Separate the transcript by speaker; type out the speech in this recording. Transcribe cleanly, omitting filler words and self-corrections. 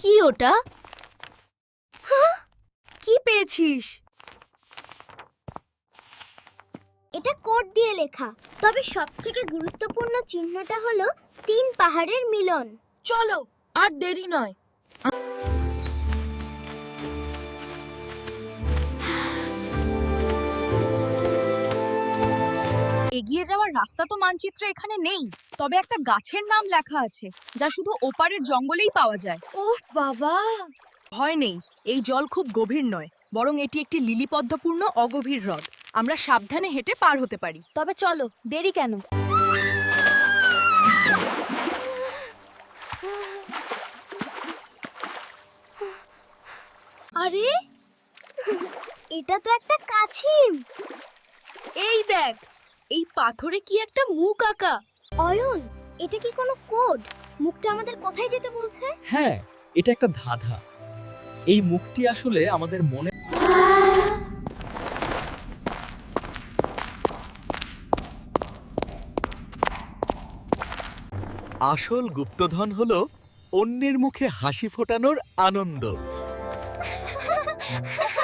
Speaker 1: কি ওটা?
Speaker 2: কি পেয়েছিস?
Speaker 3: এটা কোড দিয়ে লেখা, তবে সবথেকে গুরুত্বপূর্ণ চিহ্নটা হলো 3 পাহাড়ের মিলন।
Speaker 2: চলো, আর দেরি নয়। এগিয়ে যাওয়ার রাস্তা তো মানচিত্রে এখানে নেই, তবে একটা গাছের নাম লেখা আছে যা শুধু ওপারের জঙ্গলেই পাওয়া যায়। ওহ বাবা! ভয় নেই, এই জল খুব গভীর নয়, বরং এটি একটি লিলিপদ্মপূর্ণ অগভীর হ্রদ। আমরা সাবধানে হেঁটে পার হতে পারি।
Speaker 1: তবে চলো, দেরি কেন?
Speaker 3: আরে, এটা তো একটা কাছিম।
Speaker 2: এই দেখ, এই পাথরে কি একটা মুখ আঁকা।
Speaker 3: অয়ন, এটা কি কোনো কোড? মুখটা আমাদের কোথায় যেতে বলছে?
Speaker 4: হ্যাঁ, এটা একটা ধাঁধা। এই মুখটি আসলে আমাদের মনে
Speaker 5: আসল গুপ্তধন হলো অন্যের মুখে হাসি ফোটানোর আনন্দ।